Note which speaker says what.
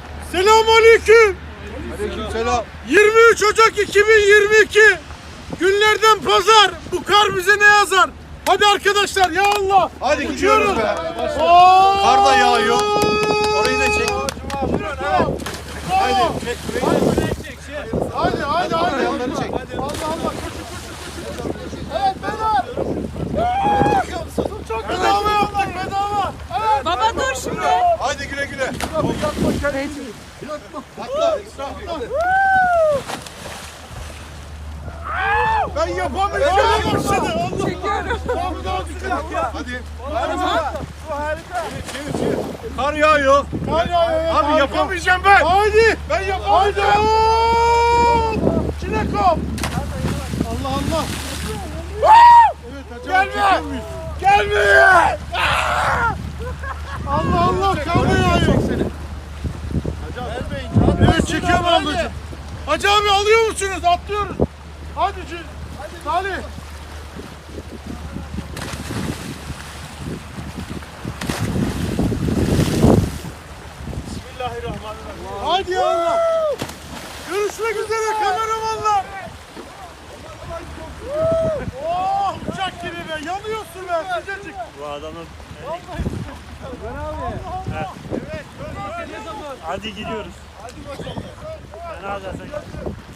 Speaker 1: Selamünaleyküm.
Speaker 2: Aleykümselam.
Speaker 1: 23 Ocak 2022 günlerden pazar. Bu kar bize ne yazar? Hadi arkadaşlar ya Allah.
Speaker 2: Hadi gidiyoruz be.
Speaker 1: Kar
Speaker 2: da yağıyor. Orayı da çek.
Speaker 1: Haydi.
Speaker 2: Çek.
Speaker 1: Hadi.
Speaker 2: Yanları çek.
Speaker 1: Allah. Evet bedava. Çok bedava yaptık bedava. Evet.
Speaker 3: Baba dur şimdi.
Speaker 2: Hadi güle güle.
Speaker 1: Atla. Ben yapamayacağım.
Speaker 3: Çekiyorum.
Speaker 2: Hadi. Çevir. Kar yağıyor. Abi yapamayacağım ben.
Speaker 1: Haydi. Ben yapamayacağım. Çilekom. Allah. Gelme. Gelme. Allah kavga yağıyor. Evet çekiyorum ablacığım. Hacı abi alıyor musunuz? Atlıyoruz. Hadi Salih. Bismillahirrahmanirrahim. Hadi ya Allah. Görüşmek üzere kameramanlar. Oh uçak gibi be. Yanıyorsun be sıcacık.
Speaker 4: Bu adamın...
Speaker 1: Evet.
Speaker 4: Hadi gidiyoruz.
Speaker 1: Hadi bakalım.
Speaker 4: Ne yapacaksın?